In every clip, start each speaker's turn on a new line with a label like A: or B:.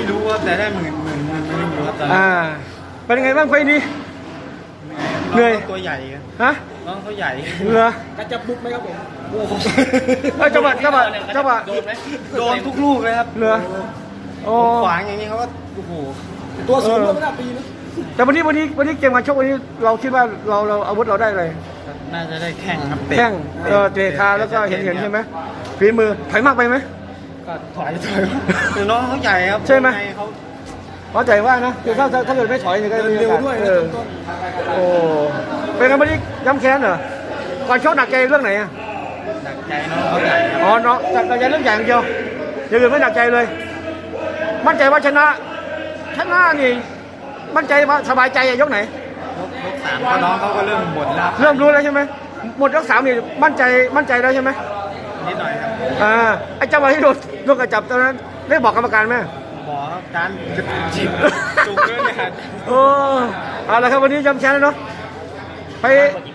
A: รู้ว่าแต่ได้หมื่นไม่รู้ครับตอน
B: เป็นยังไงบ้างไฟนี้เหนื่อย
A: ตัวใหญ่ครับ
B: ฮะ
A: น้องเขาใหญ่
B: เหรอก
C: ระจับบุกไหมครับผม
B: จังหวะ
A: โดนไหมโดนทุกลูกเลยครับ
B: เหลือโอ้
A: ขวางอย่างนี้เขาก็โอ้โห
C: ตัวสูงก็ไม่น่าปีนะ
B: แต่วันนี้เกมการชกวันนี้เราคิดว่าเราอาวุธเราได้เลย
A: น่าจะได้แข่งครับ
B: แข้งเตะขาแล้วก็เห็นใช่ไหมฝีมือถอยมากไปไหม
A: ก็ถอยคือน้องเขาใหญ่ครับ
B: ใช่ไหม
A: เขา
B: พอใจว่านะคือถ้าเกิดไม่ถอยเนี่ยก็มีโอกาส
C: ด้วย
B: เอ
C: นะ
B: อ
C: ต้น
B: โอ้เป็นไงวันนี้ย้ำแค้นเหรอก่อนชกหนักใจเรื่องไหนอ่ะ
A: หนักใจน้องเขาใหญ่ครับ
B: อ๋อเนาะหนักใจเรื่องใหญ่อย่างเดียวอย่างอื่นไม่หนักใจเลย มั่นใจว่าชนะนี่มั่นใจว่าสบายใจอะยกไหน
A: ยกสามก็น้องเขาก็เริ่มบ่นแล้ว
B: เริ่มรู้แล้วใช่ไหมหมดยกสามนี่มั่นใจแล้วใช่ไหม
A: นิดหน่อยครับ
B: ไอ้จังหวะที่โดนลูกกระจับตอนนั้นได้บอกกรรมการไหม
A: บอกครับการจิบจุกด้วยเนี่ย
B: โอ้เอาละครับวันนี้ย้ำแค้นแล้วเนาะไป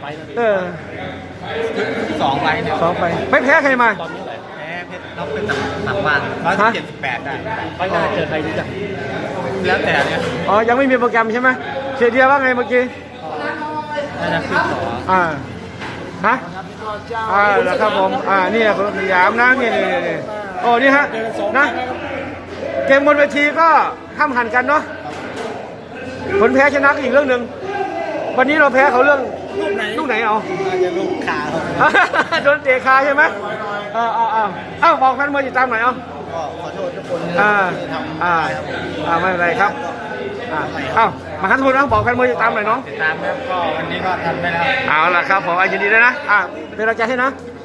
A: สองไฟเนี่ย
B: สองไปไม่แพ้ใครมา
A: แพ้เพชรน้องเป็นต่างบ้าน178ได้
C: ไปหน้าเจอใครดีจ้ะ
A: แล้วแต่เนี่ย
B: อ๋อยังไม่มีโปรแกรมใช่ไหมเสียเดียว่าไงเมื่อกี้
A: น่าจะขึ้นต่อ
B: ฮะแล้วครับผมนี่คนสยามนะนี่โอ้นี่ฮะนะเกมบนเวทีก็ห้ามหันกันเนาะผลแพ้ชนะก็อีกเรื่องหนึ่งวันนี้เราแพ้เขาเรื่องลูกไหนเอา
A: น่าจะลูกขาครับ
B: โดนเตะขาใช่ไหมบอกแฟนมวยติดตามหน่อยเอา
A: ก็ขอโทษทุกคน
B: ที่ทำไม่เป็นไรครับมาคันทุนนะบอกแฟนมวยติดตามหน่อยน้อง
A: ติดตามครับก็วันนี้ก็ทำได้แล้ว
B: เอาล่ะครับผมยินดีด้วยนะเป็นกำลังใจให้นะ